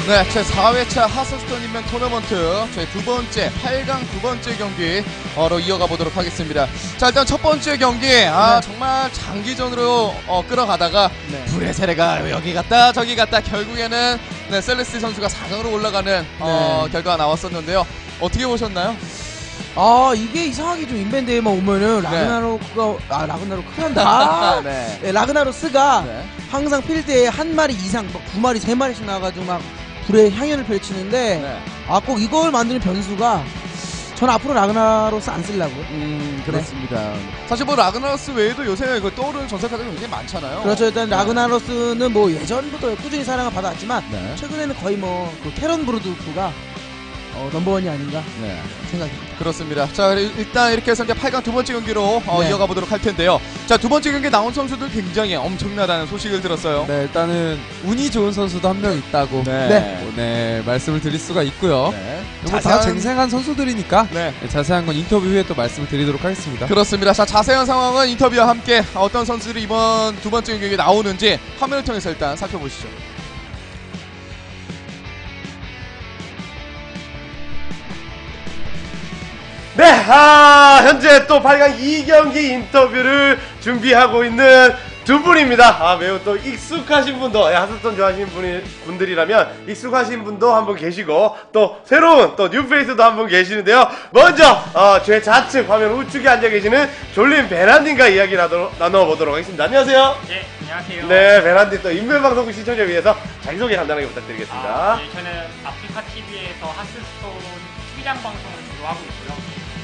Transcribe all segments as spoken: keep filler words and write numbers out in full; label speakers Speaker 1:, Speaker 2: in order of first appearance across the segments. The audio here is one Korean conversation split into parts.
Speaker 1: 네, 제사 회차 하스스톤 인맥 토너먼트 제 두 번째 팔 강 두 번째 경기로 이어가 보도록 하겠습니다. 자, 일단 첫 번째 경기 아 네. 정말 장기전으로 어, 끌어가다가 네. 불의 세례가 여기 갔다 저기 갔다 결국에는 네, 셀레스티 선수가 사 강으로 올라가는 네. 어, 결과가 나왔었는데요. 어떻게 보셨나요?
Speaker 2: 아 이게 이상하게 좀 인벤대에만 오면은 라그나로크가 네. 아 라그나로크 한다. 네. 네, 라그나로스가 네. 항상 필드에 한 마리 이상, 막 두 마리, 세 마리씩 나와가지고 막 불의 향연을 펼치는데 네. 아 꼭 이걸 만드는 변수가 전 앞으로 라그나로스 안 쓰려고요.
Speaker 1: 음 그렇습니다. 네. 사실 뭐 라그나로스 외에도 요새 그 떠오르는 전설 카드가 굉장히 많잖아요.
Speaker 2: 그렇죠. 일단 네. 라그나로스는 뭐 예전부터 꾸준히 사랑을 받아왔지만 네. 최근에는 거의 뭐 그 테런 브루드프가 어, 넘버원이 아닌가 네. 생각입니다.
Speaker 1: 그렇습니다. 자, 일단 이렇게 해서 이제 팔 강 두 번째 경기로 어, 네. 이어가 보도록 할 텐데요. 자, 두 번째 경기에 나온 선수들 굉장히 엄청나다는 소식을 들었어요.
Speaker 3: 네, 일단은 운이 좋은 선수도 한 명 있다고 네. 네. 네, 말씀을 드릴 수가 있고요. 네. 뭐 다 쟁생한 선수들이니까 네. 네, 자세한 건 인터뷰 후에 또 말씀을 드리도록 하겠습니다.
Speaker 1: 그렇습니다. 자, 자세한 상황은 인터뷰와 함께 어떤 선수들이 이번 두 번째 경기에 나오는지 화면을 통해서 일단 살펴보시죠.
Speaker 4: 네, 아, 현재 또 팔 강 이 경기 인터뷰를 준비하고 있는 두 분입니다. 아, 매우 또 익숙하신 분도, 예, 하스스톤 좋아하시는 분이, 분들이라면 익숙하신 분도 한 분 계시고, 또 새로운 또 뉴페이스도 한 분 계시는데요. 먼저, 어, 제 좌측 화면 우측에 앉아 계시는 졸린 베란딘과 이야기 나눠, 나눠보도록 하겠습니다. 안녕하세요.
Speaker 5: 네, 안녕하세요.
Speaker 4: 네, 베란딘 또 인별방송국 시청자 위해서 자기소개 간단하게 부탁드리겠습니다.
Speaker 5: 아, 네, 저는 아프리카 티비에서 하스스톤 투기장 방송을 주로 하고 있고요.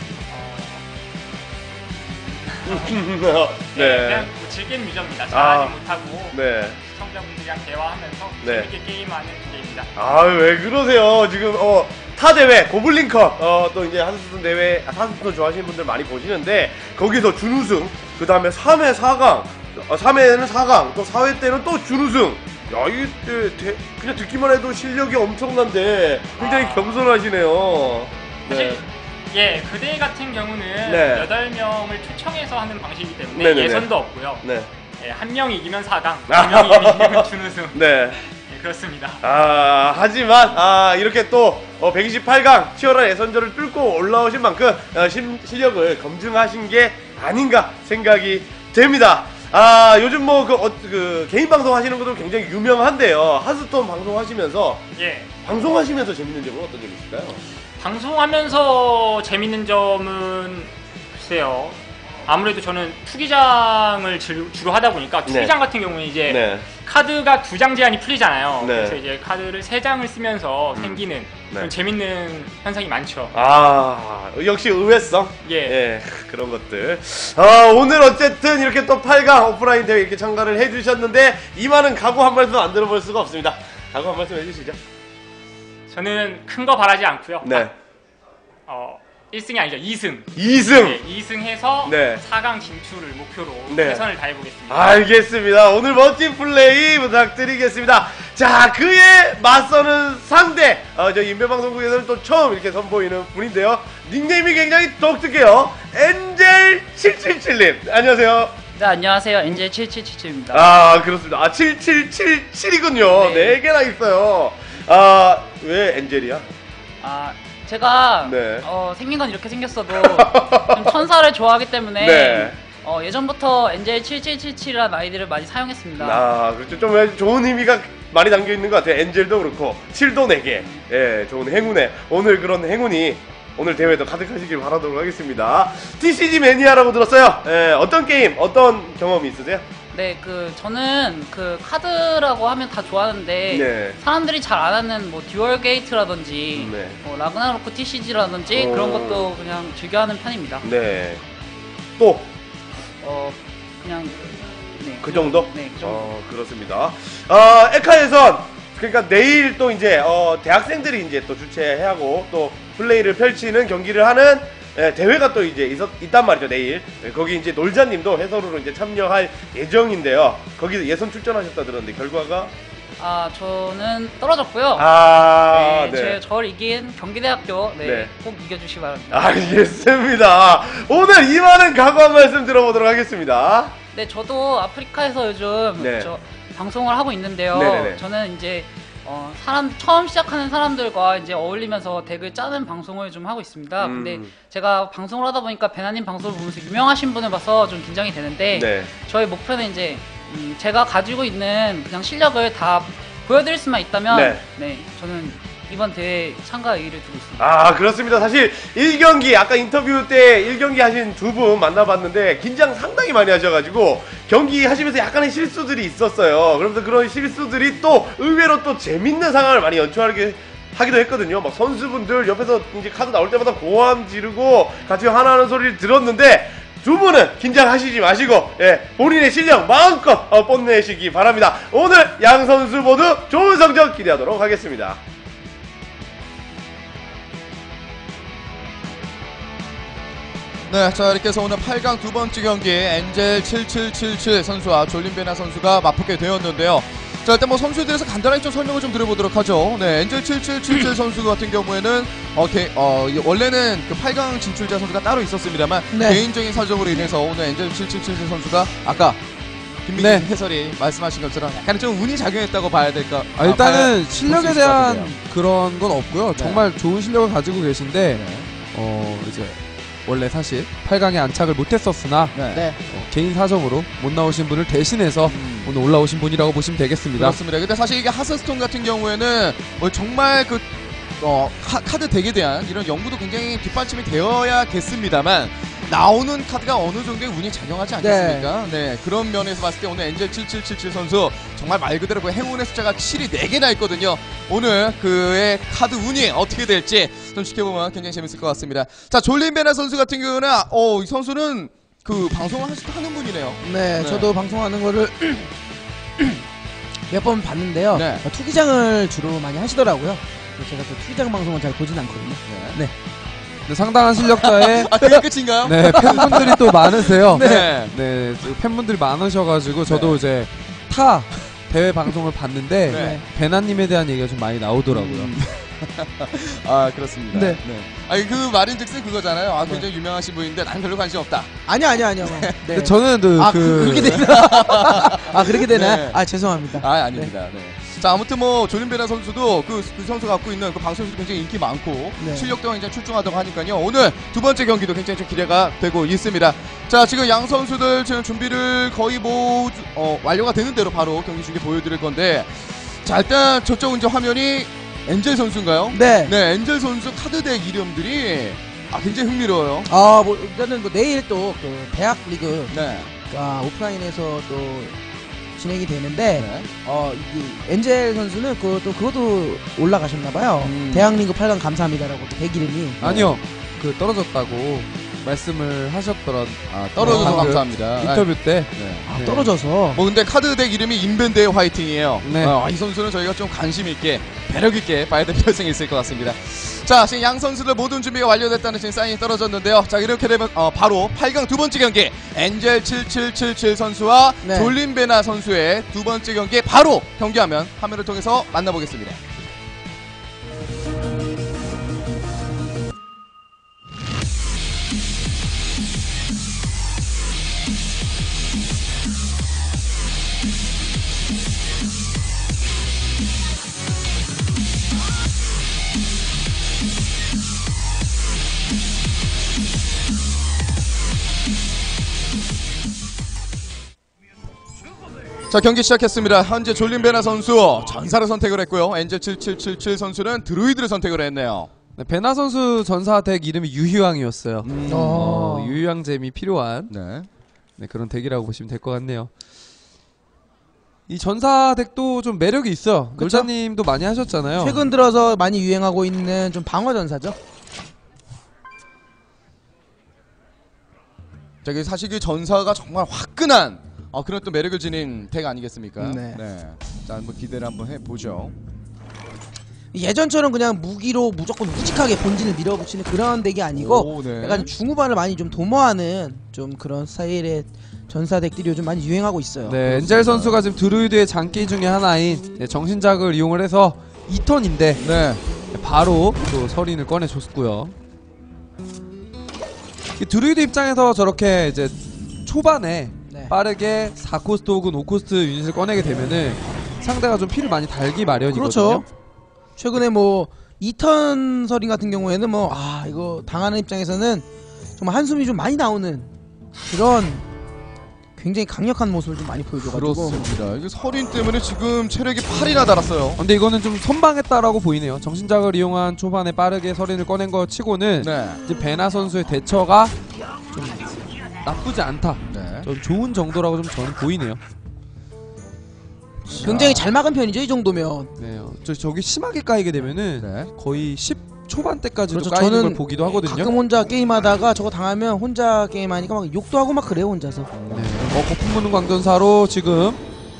Speaker 5: 네,
Speaker 4: 네.
Speaker 5: 그냥 뭐 즐기는 유저입니다. 잘하지
Speaker 4: 아,
Speaker 5: 못하고
Speaker 4: 네.
Speaker 5: 시청자분들이랑 대화하면서
Speaker 4: 네.
Speaker 5: 재밌게 게임하는 주제입니다.
Speaker 4: 아, 왜 그러세요? 지금 어, 타 대회 고블린컵 어, 또 이제 하스스톤 대회 하스스톤 좋아하시는 분들 많이 보시는데 거기서 준우승, 그 다음에 삼 회 사 강, 어, 삼 회는 사 강, 또 사 회 때는 또 준우승. 야, 이게 대, 그냥 듣기만 해도 실력이 엄청난데 굉장히 아. 겸손하시네요.
Speaker 5: 사실
Speaker 4: 네.
Speaker 5: 예, 그 대회 같은 경우는
Speaker 4: 네.
Speaker 5: 여덟 명을 초청해서 하는 방식이기 때문에
Speaker 4: 네네네.
Speaker 5: 예선도 없고요.
Speaker 4: 네.
Speaker 5: 예, 한 명이 이기면 사 강, 두 명이 이기면 준우승.
Speaker 4: 네.
Speaker 5: 예, 그렇습니다.
Speaker 4: 아, 하지만 아, 이렇게 또 어, 백이십팔 강 치열한 예선전을 뚫고 올라오신 만큼 어, 심, 실력을 검증하신 게 아닌가 생각이 됩니다. 아, 요즘 뭐 그 어, 그 개인 방송 하시는 것도 굉장히 유명한데요. 하스스톤 방송 하시면서
Speaker 5: 예.
Speaker 4: 방송하시면서 재밌는 점은 어떤 점이 있을까요?
Speaker 5: 방송하면서 재밌는 점은 글쎄요. 아무래도 저는 투기장을 주, 주로 하다 보니까 투기장 네. 같은 경우는 이제 네. 카드가 두 장 제한이 풀리잖아요. 네. 그래서 이제 카드를 세 장을 쓰면서 음. 생기는 네. 그런 재밌는 현상이 많죠.
Speaker 4: 아, 역시 의외성?
Speaker 5: 예.
Speaker 4: 예, 그런 것들. 아, 오늘 어쨌든 이렇게 또 팔 강 오프라인 대회 이렇게 참가를 해주셨는데 이만한 각오 한 말씀 안 들어볼 수가 없습니다. 각오 한 말씀 해주시죠.
Speaker 5: 저는 큰 거 바라지 않고요.
Speaker 4: 네.
Speaker 5: 어, 일 승이 아니죠. 이 승.
Speaker 4: 이 승.
Speaker 5: 네, 이 승 해서 네. 사 강 진출을 목표로
Speaker 4: 네.
Speaker 5: 최선을 다해보겠습니다.
Speaker 4: 알겠습니다. 오늘 멋진 플레이 부탁드리겠습니다. 자, 그에 맞서는 상대. 어, 저 인별방송국에서는 또 처음 이렇게 선보이는 분인데요. 닉네임이 굉장히 독특해요. 엔젤 칠칠칠 님. 안녕하세요.
Speaker 6: 네, 안녕하세요. 엔젤 칠칠칠칠입니다.
Speaker 4: 아, 그렇습니다. 아, 칠칠칠칠이군요. 네. 네 개나 있어요. 아, 왜 엔젤이야?
Speaker 6: 아, 제가
Speaker 4: 네.
Speaker 6: 어, 생긴 건 이렇게 생겼어도 좀 천사를 좋아하기 때문에
Speaker 4: 네.
Speaker 6: 어, 예전부터 엔젤 칠칠칠칠이라는 아이디를 많이 사용했습니다.
Speaker 4: 아, 그렇죠. 좀 좋은 의미가 많이 담겨 있는 것 같아요. 엔젤도 그렇고 칠도 네 개. 예, 좋은 행운에 오늘 그런 행운이 오늘 대회도 가득하시길 바라도록 하겠습니다. 티씨지 매니아라고 들었어요. 예, 어떤 게임, 어떤 경험이 있으세요?
Speaker 6: 네, 그 저는 그 카드라고 하면 다 좋아하는데 네. 사람들이 잘 안 하는 뭐 듀얼 게이트라든지 네. 뭐 라그나로크 티씨지라든지 어... 그런 것도 그냥 즐겨하는 편입니다.
Speaker 4: 네. 또?
Speaker 6: 어, 그냥 네.
Speaker 4: 그 정도?
Speaker 6: 네, 그 정도.
Speaker 4: 어, 그렇습니다. 어, 에카 예선 그러니까 내일 또 이제 어, 대학생들이 이제 또 주최하고 또 플레이를 펼치는 경기를 하는 예, 대회가 또 이제 있었, 있단 말이죠, 내일. 예, 거기 이제 놀자님도 해설으로 이제 참여할 예정인데요. 거기서 예선 출전하셨다 들었는데, 결과가?
Speaker 6: 아, 저는 떨어졌고요.
Speaker 4: 아,
Speaker 6: 네.
Speaker 4: 네.
Speaker 6: 제, 저를 이긴 경기대학교, 네, 네. 꼭 이겨주시기 바랍니다.
Speaker 4: 알겠습니다. 오늘 이만한 각오 한 말씀 들어보도록 하겠습니다.
Speaker 6: 네, 저도 아프리카에서 요즘
Speaker 4: 네.
Speaker 6: 저 방송을 하고 있는데요.
Speaker 4: 네네네.
Speaker 6: 저는 이제 어, 사람 처음 시작하는 사람들과 이제 어울리면서 덱을 짜는 방송을 좀 하고 있습니다. 음. 근데 제가 방송을 하다 보니까 베나님 방송을 보면서 유명하신 분을 봐서 좀 긴장이 되는데 네. 저희 목표는 이제 음, 제가 가지고 있는 그냥 실력을 다 보여드릴 수만 있다면 네, 네 저는 이번 대회에 참가 의의를 두고 있습니다.
Speaker 4: 아 그렇습니다. 사실 일 경기 아까 인터뷰 때 일 경기 하신 두 분 만나봤는데 긴장 상당히 많이 하셔가지고 경기 하시면서 약간의 실수들이 있었어요. 그러면서 그런 실수들이 또 의외로 또 재밌는 상황을 많이 연출하게 하기도 했거든요. 막 선수분들 옆에서 이제 카드 나올 때마다 고함 지르고 같이 하나하는 소리를 들었는데 두 분은 긴장하시지 마시고 예, 본인의 실력 마음껏 어, 뽐내시기 바랍니다. 오늘 양 선수 모두 좋은 성적 기대하도록 하겠습니다.
Speaker 1: 네, 자 이렇게 해서 오늘 팔 강 두 번째 경기 엔젤 칠칠칠칠 선수와 졸린베나 선수가 맞붙게 되었는데요. 자 일단 뭐 선수들에서 간단하게 좀 설명을 좀 드려보도록 하죠. 네, 엔젤 칠칠칠칠 선수 같은 경우에는 어, 개, 어 원래는 그 팔 강 진출자 선수가 따로 있었습니다만 네. 개인적인 사정으로 인해서 오늘 엔젤 칠칠칠칠 선수가 아까 김민희 네. 해설이 말씀하신 것처럼 약간 좀 운이 작용했다고 봐야 될까?
Speaker 3: 아, 일단은 아, 실력에 대한 그런 건 없고요. 네. 정말 좋은 실력을 가지고 계신데 네. 어 이제. 원래 사실 팔 강에 안착을 못했었으나 네. 어, 개인 사정으로 못 나오신 분을 대신해서 음. 오늘 올라오신 분이라고 보시면 되겠습니다.
Speaker 1: 그렇습니다. 근데 사실 이게 하스스톤 같은 경우에는 뭐 정말 그 어, 카, 카드 덱에 대한 이런 연구도 굉장히 뒷받침이 되어야겠습니다만 나오는 카드가 어느 정도의 운이 작용하지 않겠습니까? 네. 네. 그런 면에서 봤을 때 오늘 엔젤 칠칠칠칠 선수 정말 말 그대로 그 행운의 숫자가 칠이 네 개나 있거든요. 오늘 그의 카드 운이 어떻게 될지 좀 지켜보면 굉장히 재밌을 것 같습니다. 자, 졸린베나 선수 같은 경우는 어, 이 선수는 그 방송을 하는 분이네요.
Speaker 2: 네, 네. 저도 방송하는 거를 몇 번 봤는데요. 네. 투기장을 주로 많이 하시더라고요. 제가 또 투기장 방송은 잘 보진 않거든요. 네. 네.
Speaker 3: 네, 상당한 실력자의
Speaker 1: 아, 그게 끝인가요?
Speaker 3: 네, 팬분들이 또 많으세요. 네. 네, 팬분들이 많으셔가지고 저도 네. 이제 타 대회 방송을 봤는데 네. 베나님에 대한 얘기가 좀 많이 나오더라고요. 음.
Speaker 1: 아 그렇습니다.
Speaker 2: 네.
Speaker 1: 네. 아니 그 말인즉슨 그거잖아요. 아 굉장히 네. 유명하신 분인데 난 별로 관심 없다.
Speaker 2: 아니요 아니요 아니요.
Speaker 3: 네. 저는 그,
Speaker 2: 아,
Speaker 3: 그...
Speaker 2: 그렇게 되나? 아 그렇게 되나? 네. 아 죄송합니다.
Speaker 1: 아 아닙니다. 네. 네. 자 아무튼 뭐 졸린베나 선수도 그, 그 선수가 갖고 있는 그 방송에서 굉장히 인기 많고 네. 실력도 굉장히 출중하다고 하니까요. 오늘 두 번째 경기도 굉장히 좀 기대가 되고 있습니다. 자 지금 양 선수들 지금 준비를 거의 뭐 어, 완료가 되는 대로 바로 경기 중계 보여드릴 건데 자 일단 저쪽 이제 화면이 엔젤 선수인가요?
Speaker 2: 네.
Speaker 1: 네, 엔젤 선수 카드덱 이름들이 아 굉장히 흥미로워요.
Speaker 2: 아, 뭐 일단은 뭐 내일 또 그 대학 리그
Speaker 1: 네.
Speaker 2: 아, 오프라인에서 또 진행이 되는데
Speaker 1: 네.
Speaker 2: 어, 이 엔젤 선수는 그것도 그것도 올라가셨나 봐요. 음. 대학 리그 팔 강 감사합니다라고 덱 이름이.
Speaker 3: 아니요. 그 떨어졌다고 말씀을 하셨더라.
Speaker 1: 아, 떨어져서 아, 감사합니다.
Speaker 3: 인터뷰 때.
Speaker 2: 네. 아, 네. 떨어져서.
Speaker 1: 뭐 근데 카드덱 이름이 인벤데의 화이팅이에요.
Speaker 3: 네.
Speaker 1: 어, 이 선수는 저희가 좀 관심 있게 배력 있게 봐야 될 필요성이 있을 것 같습니다. 자, 지금 양 선수들 모든 준비가 완료됐다는 지금 사인이 떨어졌는데요. 자, 이렇게 되면 어, 바로 팔 강 두 번째 경기 엔젤 칠칠칠칠 선수와 네. 졸린베나 선수의 두 번째 경기 바로 경기하면 화면을 통해서 만나보겠습니다. 자 경기 시작했습니다. 현재 졸린베나 선수 전사를 선택을 했고요. 엔젤 칠칠칠칠 선수는 드루이드를 선택을 했네요.
Speaker 3: 네, 베나 선수 전사 덱 이름이 유희왕이었어요. 음. 어, 유희왕잼이 필요한 네. 네, 그런 덱이라고 보시면 될 것 같네요. 이 전사 덱도 좀 매력이 있어요. 놀자님도 많이 하셨잖아요.
Speaker 2: 최근 들어서 많이 유행하고 있는 좀 방어 전사죠.
Speaker 1: 저기 사실 그 전사가 정말 화끈한 어, 그런 또 매력을 지닌 덱 아니겠습니까?
Speaker 2: 네.
Speaker 1: 네. 자, 한번 기대를 한번 해보죠.
Speaker 2: 예전처럼 그냥 무기로 무조건 우직하게 본진을 밀어붙이는 그런 덱이 아니고 오, 네. 약간 중후반을 많이 좀 도모하는 좀 그런 스타일의 전사 덱들이 요즘 많이 유행하고 있어요.
Speaker 3: 네, 엔젤 선수가 지금 드루이드의 장기 중에 하나인 네, 정신작을 이용을 해서 이 턴인데 네. 바로 또 서린을 꺼내줬고요. 드루이드 입장에서 저렇게 이제 초반에 네. 빠르게 사 코스트 혹은 오 코스트 유닛을 꺼내게 되면은 상대가 좀 피를 많이 달기 마련이거든요.
Speaker 2: 그렇죠. 최근에 뭐 이턴 서린 같은 경우에는 뭐 아 이거 당하는 입장에서는 정말 한숨이 좀 많이 나오는 그런 굉장히 강력한 모습을 좀 많이 보여줘가지고.
Speaker 1: 그렇습니다. 이게 서린 때문에 지금 체력이 팔이나 달았어요.
Speaker 3: 근데 이거는 좀 선방했다라고 보이네요. 정신작을 이용한 초반에 빠르게 서린을 꺼낸 거 치고는
Speaker 1: 네.
Speaker 3: 이제 베나 선수의 대처가 좀 나쁘지 않다.
Speaker 1: 네.
Speaker 3: 좀 좋은 정도라고 좀 저는 보이네요.
Speaker 2: 굉장히 잘 막은 편이죠 이 정도면.
Speaker 3: 네, 저 저기 심하게 까이게 되면은
Speaker 1: 네.
Speaker 3: 거의 십 초반대까지도
Speaker 2: 그렇죠.
Speaker 3: 까이는
Speaker 2: 저는
Speaker 3: 걸 보기도 하거든요.
Speaker 2: 가끔 혼자 게임하다가 저거 당하면 혼자 게임하니까 막 욕도 하고 막 그래요 혼자서.
Speaker 3: 네. 어, 거품 무는 광전사로 지금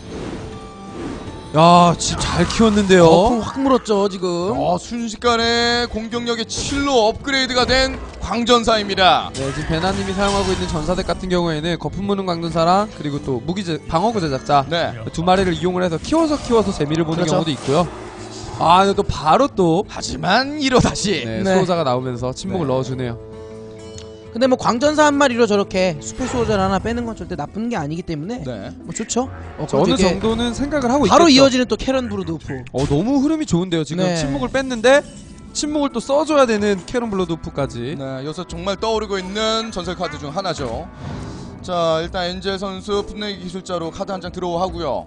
Speaker 3: 야, 진짜 잘 키웠는데요.
Speaker 2: 거품 확 물었죠 지금.
Speaker 1: 어, 순식간에 공격력이 칠로 업그레이드가 된 광전사입니다.
Speaker 3: 네, 지금 베나님이 사용하고 있는 전사덱 같은 경우에는 거품 무는 광전사랑 그리고 또 무기 제, 방어구 제작자
Speaker 1: 네.
Speaker 3: 두 마리를 이용을 해서 키워서 키워서 재미를 보는
Speaker 2: 그렇죠.
Speaker 3: 경우도 있고요. 아, 근데 또 바로 또
Speaker 1: 하지만 이로 다시.
Speaker 3: 네,
Speaker 2: 네.
Speaker 3: 수호자가 나오면서 침묵을
Speaker 1: 네.
Speaker 3: 넣어주네요.
Speaker 2: 근데 뭐 광전사 한 마리로 저렇게 수필 수호자를 하나 빼는 건 절대 나쁜 게 아니기 때문에
Speaker 1: 네.
Speaker 2: 뭐 좋죠. 어,
Speaker 3: 저 어느
Speaker 2: 되게
Speaker 3: 정도는 생각을 하고
Speaker 2: 바로
Speaker 3: 있겠죠.
Speaker 2: 이어지는 또 캐런 브루드우프.
Speaker 3: 어, 너무 흐름이 좋은데요. 지금
Speaker 2: 네.
Speaker 3: 침묵을 뺐는데 침묵을 또 써줘야 되는 캐런 블러드우프까지.
Speaker 1: 네, 여기서 정말 떠오르고 있는 전설 카드 중 하나죠. 자, 일단 엔젤 선수 풋내기 기술자로 카드 한 장 들어오고요.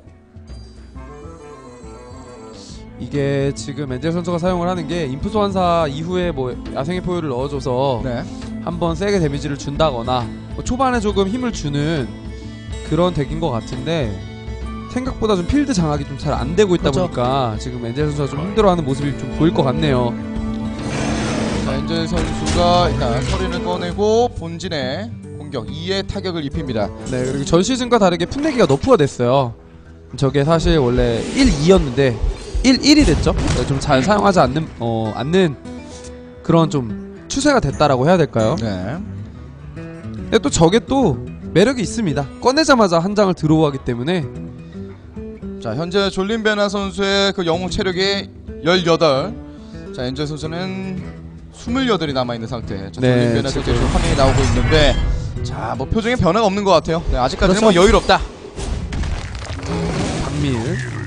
Speaker 3: 이게 지금 엔젤 선수가 사용을 하는 게 인프 소환사 이후에 뭐 야생의 포효를 넣어줘서
Speaker 1: 네.
Speaker 3: 한번 세게 데미지를 준다거나 뭐 초반에 조금 힘을 주는 그런 덱인 것 같은데 생각보다 좀 필드 장악이 좀 잘 안 되고 있다
Speaker 2: 그렇죠.
Speaker 3: 보니까 지금 엔젤 선수가 좀 힘들어하는 모습이 좀 보일 것 같네요.
Speaker 1: 자, 엔젤 선수가 일단 서린을 꺼내고 본진에 공격 이의 타격을 입힙니다.
Speaker 3: 네, 그리고 전 시즌과 다르게 풋내기가 너프가 됐어요. 저게 사실 원래 일, 이였는데 일, 일이 됐죠. 좀 잘 사용하지 않는 어 않는 그런 좀 추세가 됐다라고 해야 될까요?
Speaker 1: 네.
Speaker 3: 근데 또 저게 또 매력이 있습니다. 꺼내자마자 한 장을 들어오기 때문에.
Speaker 1: 자, 현재 졸린 베나 선수의 그 영웅 체력이 열여덟. 자, 엔젤 선수는 스물여덟이 남아있는 상태. 자,
Speaker 3: 네,
Speaker 1: 졸린 베나 선수의
Speaker 3: 지금.
Speaker 1: 화면이 나오고 있는데, 자, 뭐 표정에 변화가 없는 것 같아요. 네, 아직까지는
Speaker 2: 그렇죠.
Speaker 1: 뭐 여유롭다.
Speaker 3: 박밀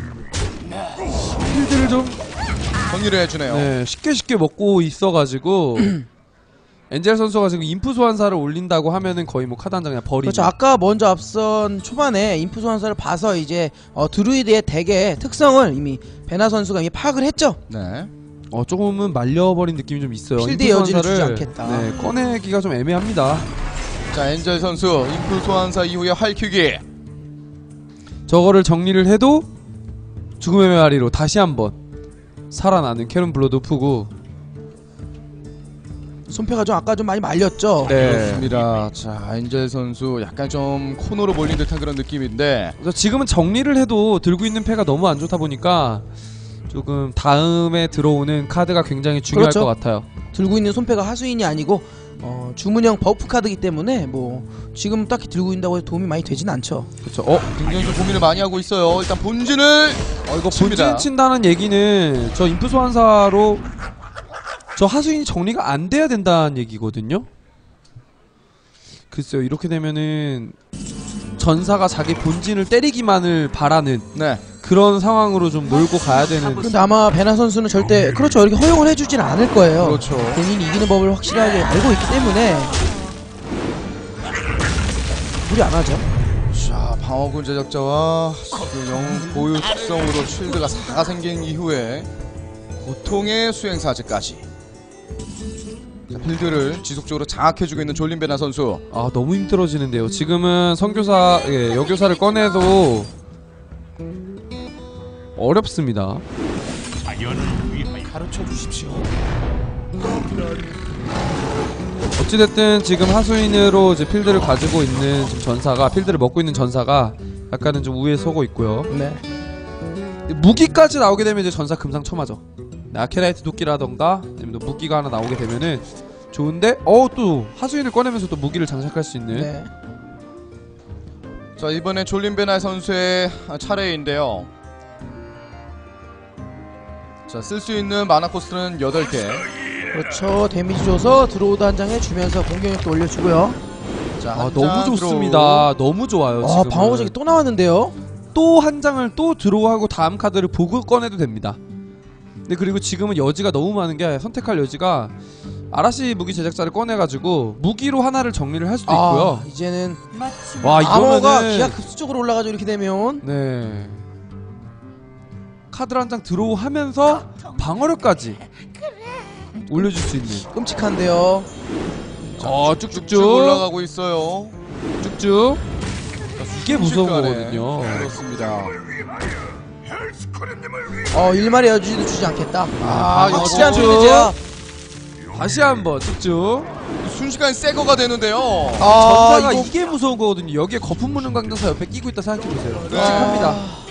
Speaker 3: 필드를 좀
Speaker 1: 정리를 해주네요.
Speaker 3: 네, 쉽게 쉽게 먹고 있어가지고 엔젤 선수가 지금 인프 소환사를 올린다고 하면은 거의 뭐 카드 한 장 그냥 버리는.
Speaker 2: 그렇죠. 아까 먼저 앞선 초반에 인프 소환사를 봐서 이제 어, 드루이드의 덱의 특성을 이미 베나 선수가 이미 파악을 했죠.
Speaker 1: 네.
Speaker 3: 어 조금은 말려버린 느낌이 좀 있어요.
Speaker 2: 필드의
Speaker 3: 인프
Speaker 2: 여지를 주지
Speaker 3: 소환사를,
Speaker 2: 않겠다.
Speaker 3: 네, 꺼내기가 좀 애매합니다.
Speaker 1: 자, 엔젤 선수 인프 소환사 이후에 활큐기.
Speaker 3: 저거를 정리를 해도 죽음의 메아리로 다시 한번 살아나는 캐런 블러드우프고.
Speaker 2: 손패가 좀 아까 좀 많이 말렸죠.
Speaker 3: 네.
Speaker 1: 그렇습니다. 자, 엔젤 선수 약간 좀 코너로 몰린 듯한 그런 느낌인데,
Speaker 3: 그래서 지금은 정리를 해도 들고 있는 패가 너무 안 좋다 보니까 조금 다음에 들어오는 카드가 굉장히 중요할
Speaker 2: 그렇죠.
Speaker 3: 것 같아요.
Speaker 2: 들고 있는 손패가 하수인이 아니고 어, 주문형 버프 카드이기 때문에 뭐 지금 딱히 들고 있다고 해서 도움이 많이 되진 않죠.
Speaker 3: 그렇죠. 어,
Speaker 1: 굉장히 좀 고민을 많이 하고 있어요. 일단 본진을
Speaker 3: 어 이거
Speaker 1: 칩니다.
Speaker 3: 본진 친다는 얘기는 저 인프 소환사로 저 하수인이 정리가 안 돼야 된다는 얘기거든요. 글쎄요, 이렇게 되면은 전사가 자기 본진을 때리기만을 바라는
Speaker 1: 네.
Speaker 3: 그런 상황으로 좀 몰고 가야 되는.
Speaker 2: 근데 아마 베나 선수는 절대 그렇죠 이렇게 허용을 해주진 않을 거예요.
Speaker 1: 그렇죠.
Speaker 2: 본인이 이기는 법을 확실하게 알고 있기 때문에 무리 안 하죠.
Speaker 1: 자, 방어군 제작자와 그 영웅 고유 특성으로 쉴드가 사가 생긴 이후에 고통의 수행사제까지 자, 필드를 지속적으로 장악해주고 있는 졸린 베나 선수.
Speaker 3: 아, 너무 힘들어지는데요. 지금은 선교사, 예, 여교사를 꺼내도 어렵습니다.
Speaker 1: 가르쳐 주십시오.
Speaker 3: 어찌됐든 지금 하수인으로 이제 필드를 가지고 있는 지금 전사가, 필드를 먹고 있는 전사가 약간은 좀 우위에 서고 있고요.
Speaker 2: 네.
Speaker 3: 무기까지 나오게 되면 이제 전사 금상첨화죠. 아케라이트 도끼라던가 아니면 또 무기가 하나 나오게 되면은 좋은데, 어 또 하수인을 꺼내면서 또 무기를 장착할 수 있는.
Speaker 2: 네.
Speaker 1: 자, 이번에 졸린 베나 선수의 차례인데요. 자, 쓸 수 있는 마나 코스트는 여덟 개.
Speaker 2: 그렇죠. 데미지 줘서 드로우드 한 장에 주면서 공격력도 올려주고요.
Speaker 1: 자,
Speaker 3: 아,
Speaker 1: 한
Speaker 3: 너무
Speaker 1: 장
Speaker 3: 좋습니다.
Speaker 1: 들어오.
Speaker 3: 너무 좋아요.
Speaker 2: 아
Speaker 3: 지금은.
Speaker 2: 방어적이 또 나왔는데요.
Speaker 3: 또 한 장을 또 드로우하고 다음 카드를 보고 꺼내도 됩니다. 근데 그리고 지금은 여지가 너무 많은 게 선택할 여지가 아라시 무기 제작자를 꺼내가지고 무기로 하나를 정리를 할 수도
Speaker 2: 아,
Speaker 3: 있고요.
Speaker 2: 이제는
Speaker 3: 와
Speaker 2: 암호가
Speaker 3: 이거면은
Speaker 2: 기하 급수적으로 올라가죠. 이렇게 되면
Speaker 3: 네 카드를 한 장 드로우하면서 방어력까지 올려줄 수 있는
Speaker 2: 끔찍한데요.
Speaker 3: 어
Speaker 1: 쭉쭉
Speaker 3: 쭉쭉쭉
Speaker 1: 올라가고 있어요.
Speaker 3: 쭉쭉 이게 무서운
Speaker 1: 순식간에.
Speaker 3: 거거든요.
Speaker 1: 그렇습니다.
Speaker 2: 어 일말의 여지도 주지 않겠다. 아,
Speaker 1: 아,
Speaker 2: 확실한
Speaker 3: 쭉.
Speaker 2: 필드제야.
Speaker 3: 다시 한번 쭉쭉
Speaker 1: 순식간에 새거가 되는데요.
Speaker 2: 아,
Speaker 3: 전사가
Speaker 2: 이거
Speaker 3: 이게 무서운 거거든요. 여기에 거품 무는 강전사 옆에 끼고 있다 생각해보세요.
Speaker 1: 네.
Speaker 3: 끔찍합니다.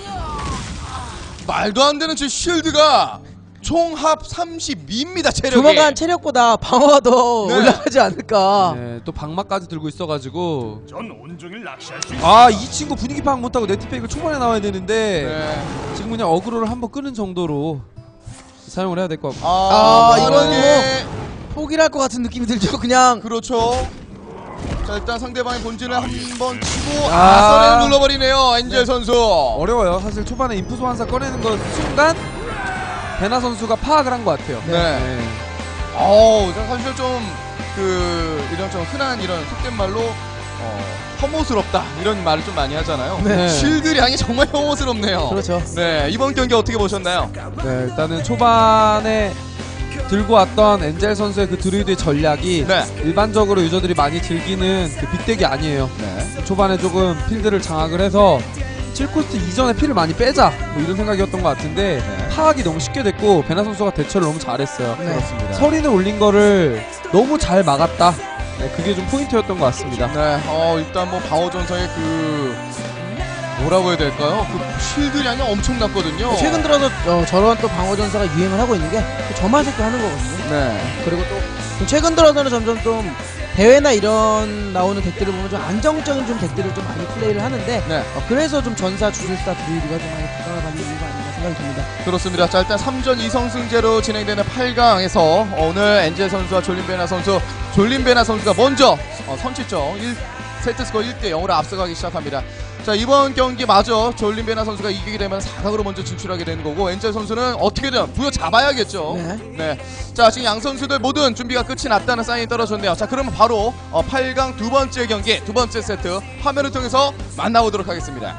Speaker 1: 말도 안 되는 저 쉴드가 총합 삼십이입니다. 체력이.
Speaker 2: 조만간 체력보다 방어가 더
Speaker 1: 네.
Speaker 2: 올라가지 않을까.
Speaker 3: 네, 또 방막까지 들고 있어가지고
Speaker 7: 전 온종일 낚시할 수 있어.
Speaker 3: 아 이 친구 분위기 파악 못하고 네티페이크 초반에 나와야 되는데
Speaker 1: 네.
Speaker 3: 지금 그냥 어그로를 한번 끄는 정도로 사용을 해야 될 것 같고
Speaker 1: 아,
Speaker 2: 아, 이건
Speaker 1: 이거는
Speaker 2: 포기를 할 것 같은 느낌이 들죠. 그냥
Speaker 1: 그렇죠. 자 일단 상대방의 본진을 한번 치고
Speaker 3: 아.
Speaker 1: 아선을 눌러버리네요. 엔젤 선수.
Speaker 3: 어려워요. 사실 초반에 인프 소환사 꺼내는 것 순간 베나 선수가 파악을 한 것 같아요.
Speaker 1: 네. 어우, 사실 좀 그 이런 좀 흔한 이런 속된 말로 어, 혐오스럽다 이런 말을 좀 많이 하잖아요.
Speaker 3: 네.
Speaker 1: 실드량이 정말 혐오스럽네요.
Speaker 2: 그렇죠.
Speaker 1: 네, 이번 경기 어떻게 보셨나요?
Speaker 3: 네, 일단은 초반에 들고 왔던 엔젤 선수의 그 드루이드의 전략이
Speaker 1: 네.
Speaker 3: 일반적으로 유저들이 많이 즐기는 그 빅덱이 아니에요.
Speaker 1: 네.
Speaker 3: 초반에 조금 필드를 장악을 해서 칠 코스트 이전에 피를 많이 빼자 뭐 이런 생각이었던 것 같은데
Speaker 1: 네.
Speaker 3: 파악이 너무 쉽게 됐고 베나 선수가 대처를 너무 잘했어요.
Speaker 2: 네.
Speaker 1: 그렇습니다.
Speaker 3: 서린을 올린 거를 너무 잘 막았다. 네, 그게 좀 포인트였던 것 같습니다.
Speaker 1: 네, 어 일단 뭐 방어 전사의 그 뭐라고 해야 될까요? 그 실드량이 엄청났거든요.
Speaker 2: 최근 들어서 어, 저런 또 방어 전사가 유행을 하고 있는 게 저만색도 하는 거거든요.
Speaker 1: 네.
Speaker 2: 그리고 또 최근 들어서는 점점 좀 대회나 이런 나오는 덱들을 보면 좀 안정적인 좀 덱들을 좀 많이 플레이를 하는데
Speaker 1: 네.
Speaker 2: 어, 그래서 좀 전사 주술사 드루이드가 좀 많이 부각하는 이유가 아닌가 생각이 듭니다.
Speaker 1: 그렇습니다. 자 일단 삼 전 이 성승제로 진행되는 팔 강에서 오늘 엔젤 선수와 졸린베나 선수, 졸린베나 선수가 먼저 어, 선취점 일 세트 스코어 일 대 영으로 앞서가기 시작합니다. 자 이번 경기 마저 졸린베나 선수가 이기게 되면 사 강으로 먼저 진출하게 되는 거고 엔젤 선수는 어떻게든 부여 잡아야겠죠.
Speaker 2: 네.
Speaker 1: 네. 자 지금 양 선수들 모든 준비가 끝이 났다는 사인이 떨어졌네요. 자 그러면 바로 어, 팔 강 두 번째 경기 두 번째 세트 화면을 통해서 만나보도록 하겠습니다.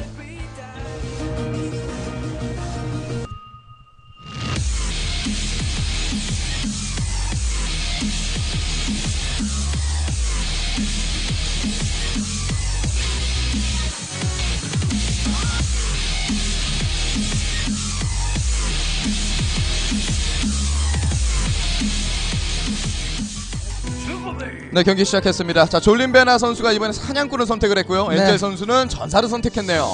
Speaker 1: 네 경기 시작했습니다. 자 졸린베나 선수가 이번에 사냥꾼을 선택을 했고요.
Speaker 2: 네.
Speaker 1: 엔젤 선수는 전사를 선택했네요.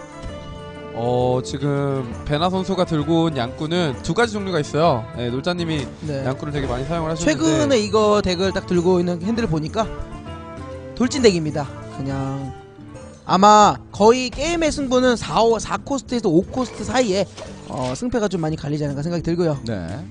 Speaker 3: 어 지금 베나 선수가 들고 온 양꾼은 두 가지 종류가 있어요. 네, 놀자님이
Speaker 2: 네.
Speaker 3: 양꾼을 되게 많이 사용을 하셨는데
Speaker 2: 최근에 이거 덱을 딱 들고 있는 핸들을 보니까 돌진 덱입니다. 그냥 아마 거의 게임의 승부는 사, 사 코스트에서 오 코스트 사이에 어, 승패가 좀 많이 갈리지 않을까 생각이 들고요.
Speaker 1: 네.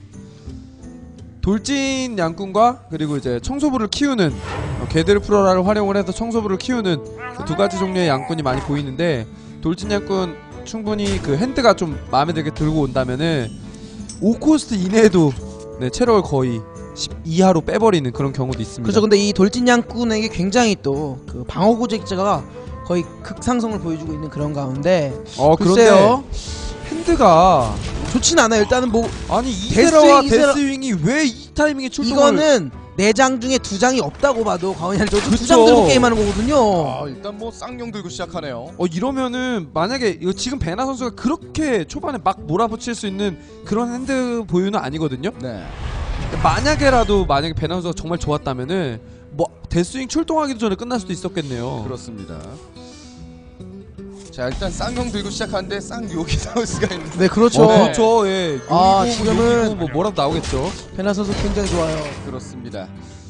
Speaker 3: 돌진 양꾼과 그리고 이제 청소부를 키우는 어, 게데르 프로라를 활용을 해서 청소부를 키우는 그 두 가지 종류의 양꾼이 많이 보이는데 돌진 양꾼 충분히 그 핸드가 좀 마음에 들게 들고 온다면은 오 코스트 이내에도 네, 체력을 거의 십 이하로 빼버리는 그런 경우도 있습니다.
Speaker 2: 그렇죠. 근데 이 돌진 양꾼에게 굉장히 또 그 방어 고제자가 거의 극상성을 보여주고 있는 그런 가운데
Speaker 3: 어 그런데
Speaker 2: 글쎄요.
Speaker 3: 핸드가
Speaker 2: 좋진 않아요. 일단은 뭐
Speaker 3: 아니 이세라와
Speaker 2: 데스윙, 이세라-
Speaker 3: 데스윙이 왜 이 타이밍에 출동을
Speaker 2: 이거는 네 장 중에 두 장이 없다고 봐도 과언이 아니죠. 두
Speaker 3: 그쵸.
Speaker 2: 장 들고 게임하는 거거든요.
Speaker 1: 아 일단 뭐 쌍용 들고 시작하네요.
Speaker 3: 어 이러면은 만약에 이거 지금 베나 선수가 그렇게 초반에 막 몰아붙일 수 있는 그런 핸드 보유는 아니거든요.
Speaker 1: 네.
Speaker 3: 만약에라도 만약에 베나 선수가 정말 좋았다면은 뭐 데스윙 출동하기도 전에 끝날 수도 있었겠네요.
Speaker 1: 그렇습니다. 자 일단 쌍용 들고 시작하는데 쌍욕이 나올 수가 있는.
Speaker 2: 네, 그렇죠.
Speaker 3: 어, 그렇죠. 예.
Speaker 2: 아,
Speaker 3: 용이고
Speaker 2: 지금은-
Speaker 3: 용이고 뭐 뭐라도 나오겠죠.
Speaker 2: 베나 선수 굉장히 좋아요.
Speaker 1: 그렇습니다.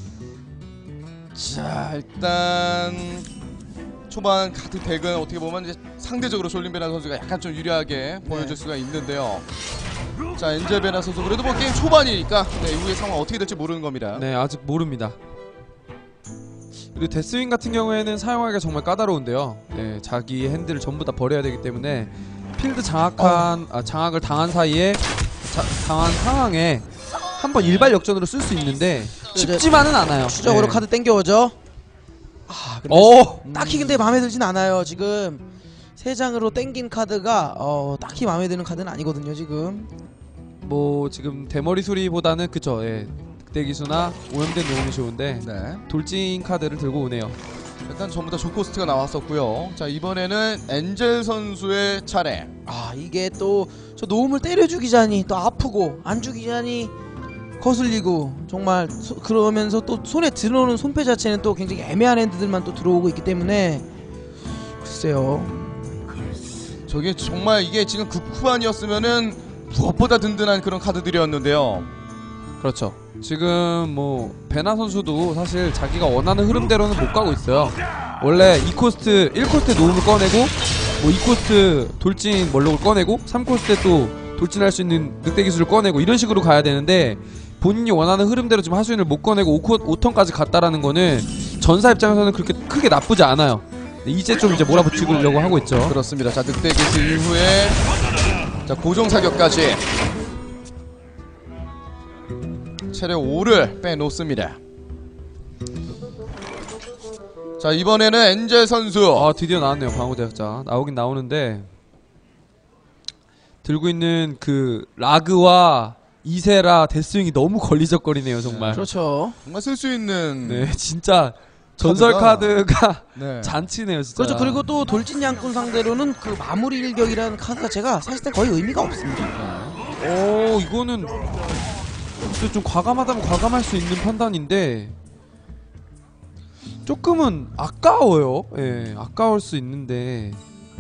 Speaker 1: 자 일단 초반 카드 덱은 어떻게 보면 이제 상대적으로 졸린베나 선수가 약간 좀 유리하게 보여줄 수가 있는데요. 자 엔젤 베나 선수 그래도 뭐 게임 초반이니까 네, 이후의 상황 어떻게 될지 모르는 겁니다.
Speaker 3: 네, 아직 모릅니다. 그리고 데스윙 같은 경우에는 사용하기가 정말 까다로운데요. 네, 자기 핸들을 전부 다 버려야 되기 때문에 필드 장악한 어. 아, 장악을 당한 사이에 자, 당한 상황에 한번 일발 역전으로 쓸 수 있는데 쉽지만은 않아요.
Speaker 2: 추적으로
Speaker 3: 네.
Speaker 2: 카드 땡겨오죠. 아, 근데
Speaker 3: 오!
Speaker 2: 딱히 근데 마음에 들진 않아요. 지금 세 장으로 땡긴 카드가 어, 딱히 마음에 드는 카드는 아니거든요. 지금
Speaker 3: 뭐 지금 대머리 소리보다는 그쵸. 예. 늑대기수나 오염된 용이 좋은데
Speaker 1: 네.
Speaker 3: 돌진 카드를 들고 오네요.
Speaker 1: 일단 전부 다 조코스트가 나왔었고요. 자, 이번에는 엔젤 선수의 차례.
Speaker 2: 아, 이게 또 저 노움을 때려 죽이자니 또 아프고 안 죽이자니 거슬리고 정말 소, 그러면서 또 손에 들어오는 손패 자체는 또 굉장히 애매한 핸드들만 또 들어오고 있기 때문에 글쎄요.
Speaker 1: 저게 정말 이게 지금 극후반이었으면은 무엇보다 든든한 그런 카드들이었는데요.
Speaker 3: 그렇죠. 지금 뭐 베나 선수도 사실 자기가 원하는 흐름대로는 못 가고 있어요. 원래 이 코스트 일 코스트 노움을 꺼내고 뭐 이 코스트 돌진 멀록을 꺼내고 삼 코스트 또 돌진할 수 있는 늑대 기술을 꺼내고 이런 식으로 가야 되는데 본인이 원하는 흐름대로 지금 하수인을 못 꺼내고 오, 오 턴까지 갔다라는 거는 전사 입장에서는 그렇게 크게 나쁘지 않아요. 이제 좀 이제 몰아붙이려고 하고 있죠.
Speaker 1: 그렇습니다. 자, 늑대 기술 이후에 자, 고정 사격까지 체력 오를 빼놓습니다. 자, 이번에는 엔젤 선수.
Speaker 3: 아, 드디어 나왔네요. 방어대학자 나오긴 나오는데 들고 있는 그 라그와 이세라 데스윙이 너무 걸리적거리네요. 정말.
Speaker 2: 그렇죠.
Speaker 1: 정말 쓸 수 있는
Speaker 3: 네, 진짜 전설
Speaker 1: 카드가,
Speaker 3: 카드가
Speaker 1: 네.
Speaker 3: 잔치네요, 진짜.
Speaker 2: 그렇죠. 그리고 또 돌진 양꾼 상대로는 그 마무리 일격이라는 카드 자체가 사실상 거의 의미가 없습니다.
Speaker 3: 오, 이거는 근데 좀 과감하다면 과감할 수 있는 판단인데 조금은 아까워요. 예, 아까울 수 있는데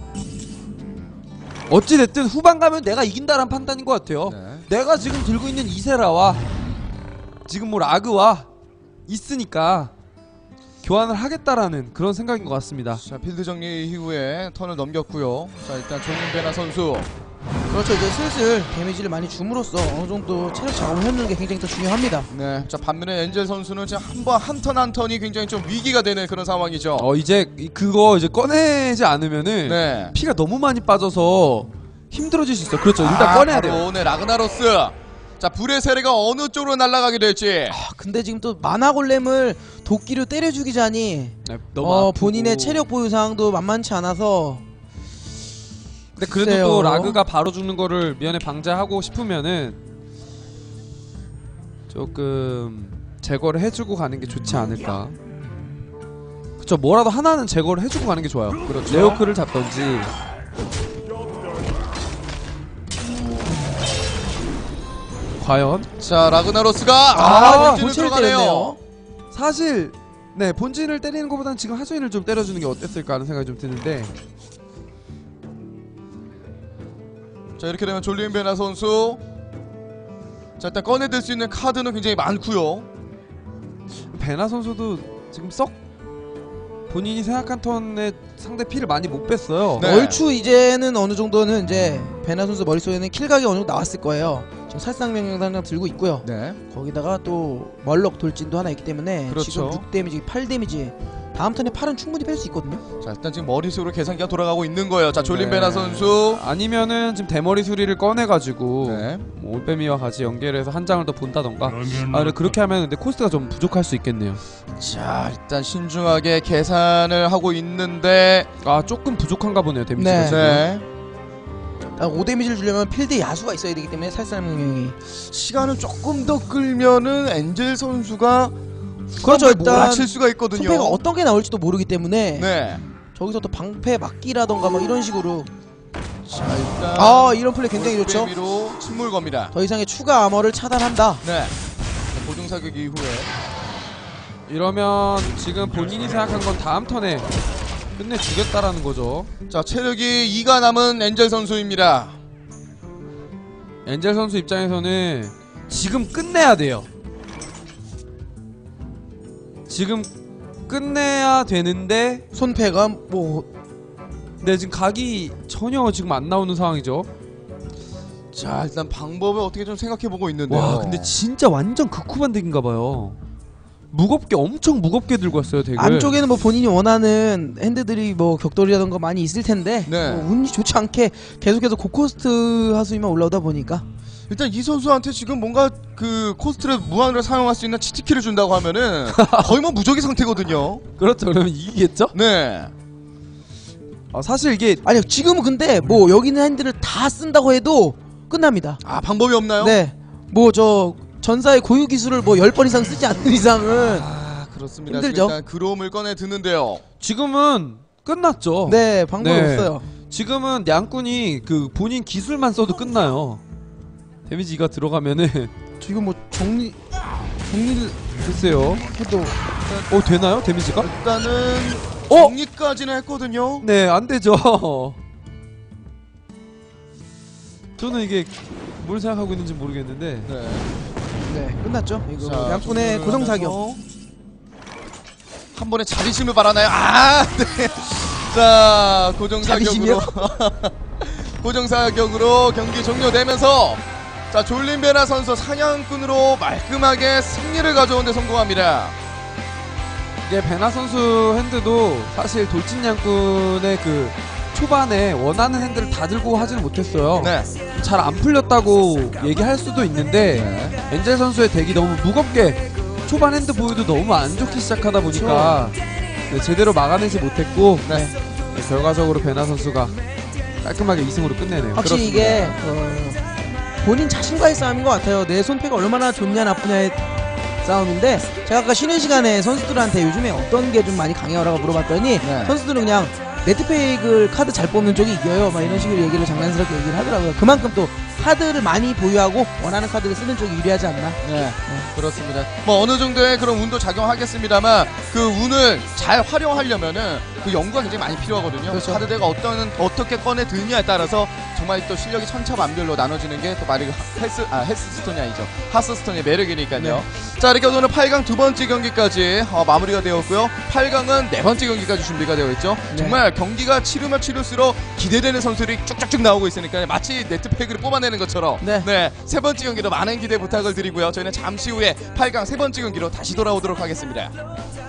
Speaker 3: 어찌됐든 후반 가면 내가 이긴다란 판단인 것 같아요.
Speaker 1: 네.
Speaker 3: 내가 지금 들고 있는 이세라와 지금 뭐 라그와 있으니까 교환을 하겠다라는 그런 생각인 것 같습니다.
Speaker 1: 자, 필드 정리 이후에 턴을 넘겼고요. 자, 일단 종윤배나 선수.
Speaker 2: 그렇죠. 이제 슬슬 데미지를 많이 줌으로써 어느 정도 체력 작업을 해놓는 게 굉장히 더 중요합니다.
Speaker 1: 네. 자, 반면에 엔젤 선수는 지금 한 번 한 턴 한 턴이 굉장히 좀 위기가 되는 그런 상황이죠.
Speaker 3: 어, 이제 이- 그거 이제 꺼내지 않으면은
Speaker 1: 네.
Speaker 3: 피가 너무 많이 빠져서 힘들어질 수 있어요. 그렇죠. 일단
Speaker 1: 아,
Speaker 3: 꺼내야
Speaker 1: 바로
Speaker 3: 돼요.
Speaker 1: 네, 라그나로스. 자, 불의 세례가 어느 쪽으로 날아가게 될지.
Speaker 2: 아, 근데 지금 또 만화 골렘을 도끼로 때려 죽이자니
Speaker 3: 네, 너무
Speaker 2: 어,
Speaker 3: 아프고.
Speaker 2: 본인의 체력 보유 상황도 만만치 않아서.
Speaker 3: 근데 그래도
Speaker 2: 글쎄요.
Speaker 3: 또 라그가 바로 죽는 거를 미연에 방지하고 싶으면은 조금 제거를 해주고 가는 게 좋지 않을까. 그쵸, 뭐라도 하나는 제거를 해주고 가는 게 좋아요.
Speaker 1: 그렇죠.
Speaker 3: 레오크를 잡던지. 과연
Speaker 1: 자, 라그나로스가
Speaker 2: 아,
Speaker 1: 아, 본진을
Speaker 2: 본체를
Speaker 1: 들어가네요.
Speaker 2: 때렸네요.
Speaker 3: 사실 네 본진을 때리는 것보다는 지금 하수인을 좀 때려주는 게 어땠을까 하는 생각이 좀 드는데
Speaker 1: 자, 이렇게 되면 졸린 베나 선수. 자, 일단 꺼내들 수 있는 카드는 굉장히 많고요.
Speaker 3: 베나 선수도 지금 썩 본인이 생각한 턴에 상대 피를 많이 못 뺐어요.
Speaker 1: 네.
Speaker 2: 얼추 이제는 어느 정도는 이제 베나 선수 머릿속에는 킬각이 어느 정도 나왔을 거예요. 지금 살상명령 당장 들고 있고요.
Speaker 1: 네.
Speaker 2: 거기다가 또 멀럭 돌진도 하나 있기 때문에
Speaker 1: 그렇죠.
Speaker 2: 지금 육 데미지, 팔 데미지 다음 턴에 팔은 충분히 뺄 수 있거든요.
Speaker 1: 자, 일단 지금 머릿속으로 계산기가 돌아가고 있는 거예요. 자, 졸린
Speaker 3: 네.
Speaker 1: 베나 선수.
Speaker 3: 아니면은 지금 대머리 수리를 꺼내가지고
Speaker 1: 네.
Speaker 3: 뭐 올빼미와 같이 연결해서 한 장을 더 본다던가. 아, 근데 그렇게 하면 근데 코스트가 좀 부족할 수 있겠네요.
Speaker 1: 자, 일단 신중하게 계산을 하고 있는데
Speaker 3: 아, 조금 부족한가 보네요, 데미지가.
Speaker 2: 네.
Speaker 3: 지금.
Speaker 1: 네.
Speaker 2: 오 데미지를 주려면 필드에 야수가 있어야 되기 때문에 살상명령이
Speaker 1: 시간을 조금 더 끌면은 엔젤 선수가
Speaker 2: 그렇죠.
Speaker 1: 일단
Speaker 2: 일단
Speaker 1: 몰아칠 수가 있거든요.
Speaker 2: 손패가 어떤 게 나올지도 모르기 때문에
Speaker 1: 네.
Speaker 2: 저기서 또 방패 막기라던가 뭐 이런 식으로
Speaker 1: 자, 일단
Speaker 2: 아 이런 플레이 굉장히 좋죠.
Speaker 1: 올빼미로 침몰 겁니다.
Speaker 2: 더 이상의 추가 아머를 차단한다.
Speaker 1: 네. 자, 고정 사격 이후에
Speaker 3: 이러면 지금 본인이 생각한 건 다음 턴에 끝내주겠다라는 거죠.
Speaker 1: 자, 체력이 이가 남은 엔젤 선수입니다.
Speaker 3: 엔젤 선수 입장에서는 지금 끝내야 돼요. 지금 끝내야 되는데
Speaker 2: 손패가 뭐
Speaker 3: 네, 지금 각이 전혀 지금 안 나오는 상황이죠.
Speaker 1: 자, 일단 방법을 어떻게 좀 생각해 보고 있는데요.
Speaker 3: 와, 근데 진짜 완전 극후반 덱인가 봐요. 무겁게 엄청 무겁게 들고 왔어요. 덱을.
Speaker 2: 안쪽에는 뭐 본인이 원하는 핸드들이 뭐 격돌이라던가 많이 있을 텐데
Speaker 1: 네.
Speaker 2: 뭐 운이 좋지 않게 계속해서 고코스트 하수위만 올라오다 보니까
Speaker 1: 일단 이 선수한테 지금 뭔가 그 코스트를 무한으로 사용할 수 있는 치트키를 준다고 하면은 거의 뭐 무적의 상태거든요.
Speaker 3: 그렇죠. 그러면 이기겠죠?
Speaker 1: 네.
Speaker 3: 아, 사실 이게
Speaker 2: 아니요 지금은 근데 뭐 여기 있는 핸들을 다 쓴다고 해도 끝납니다.
Speaker 1: 아 방법이 없나요?
Speaker 2: 네. 뭐 저 전사의 고유 기술을 뭐 열 번 이상 쓰지 않는 이상은
Speaker 1: 아 그렇습니다.
Speaker 2: 힘들죠.
Speaker 1: 일단 그롬을 꺼내 드는데요.
Speaker 3: 지금은 끝났죠.
Speaker 2: 네 방법이
Speaker 3: 네.
Speaker 2: 없어요.
Speaker 3: 지금은 양꾼이 그 본인 기술만 써도 끝나요. 데미지가 들어가면은
Speaker 2: 지금 뭐 정리 정리를
Speaker 3: 글쎄요.
Speaker 2: 해도
Speaker 3: 어 되나요? 데미지가?
Speaker 1: 일단은
Speaker 3: 어?
Speaker 1: 정리까지는 했거든요.
Speaker 3: 네, 안 되죠. 저는 이게 뭘 생각하고 있는지 모르겠는데.
Speaker 1: 네.
Speaker 2: 네 끝났죠. 이거
Speaker 1: 자,
Speaker 2: 양꾼의
Speaker 1: 종료를
Speaker 2: 고정 사격.
Speaker 1: 하면서 한 번에 자리심을 바라나요? 아, 네. 자, 고정 사격으로 고정 사격으로 경기 종료되면서 자, 졸린 베나 선수 사냥꾼으로 말끔하게 승리를 가져오는데 성공합니다.
Speaker 3: 이게 베나 선수 핸드도 사실 돌진 양꾼의 그 초반에 원하는 핸드를 다 들고 하지는 못했어요.
Speaker 1: 네.
Speaker 3: 잘 안 풀렸다고 얘기할 수도 있는데
Speaker 1: 네.
Speaker 3: 엔젤 선수의 덱이 너무 무겁게 초반 핸드 보유도 너무 안 좋게 시작하다 보니까 네, 제대로 막아내지 못했고
Speaker 1: 네.
Speaker 3: 네, 결과적으로 베나 선수가 깔끔하게 이 승으로 끝내네요.
Speaker 2: 확실히
Speaker 1: 그렇습니다.
Speaker 2: 이게 어, 본인 자신과의 싸움인 것 같아요. 내 손패가 얼마나 좋냐 나쁘냐의 싸움인데 제가 아까 쉬는 시간에 선수들한테 요즘에 어떤 게 좀 많이 강해요라고 물어봤더니
Speaker 1: 네.
Speaker 2: 선수들은 그냥 네트페이크를 카드 잘 뽑는 쪽이 이겨요 막 이런 식으로 얘기를 장난스럽게 얘기를 하더라고요. 그만큼 또 카드를 많이 보유하고 원하는 카드를 쓰는 쪽이 유리하지 않나.
Speaker 1: 네, 그렇습니다. 뭐 어느 정도의 그런 운도 작용하겠습니다만 그 운을 잘 활용하려면은 그 연구가 굉장히 많이 필요하거든요.
Speaker 2: 그렇죠.
Speaker 1: 카드대가 어떤 어떻게 꺼내 드느냐에 따라서 정말 또 실력이 천차만별로 나눠지는 게 또 말이 헬스 아 헬스스톤이 아니죠. 하스스톤의 매력이니까요.
Speaker 2: 네.
Speaker 1: 자 이렇게 오늘 팔 강 두 번째 경기까지 어, 마무리가 되었고요. 팔 강은 네 번째 경기까지 준비가 되어 있죠.
Speaker 2: 네.
Speaker 1: 정말 경기가 치르면 치를수록 기대되는 선수들이 쭉쭉쭉 나오고 있으니까 마치 네트팩을 뽑아내는 것처럼
Speaker 2: 네.
Speaker 1: 네, 세 번째 경기로 많은 기대 부탁을 드리고요. 저희는 잠시 후에 팔 강 세 번째 경기로 다시 돌아오도록 하겠습니다.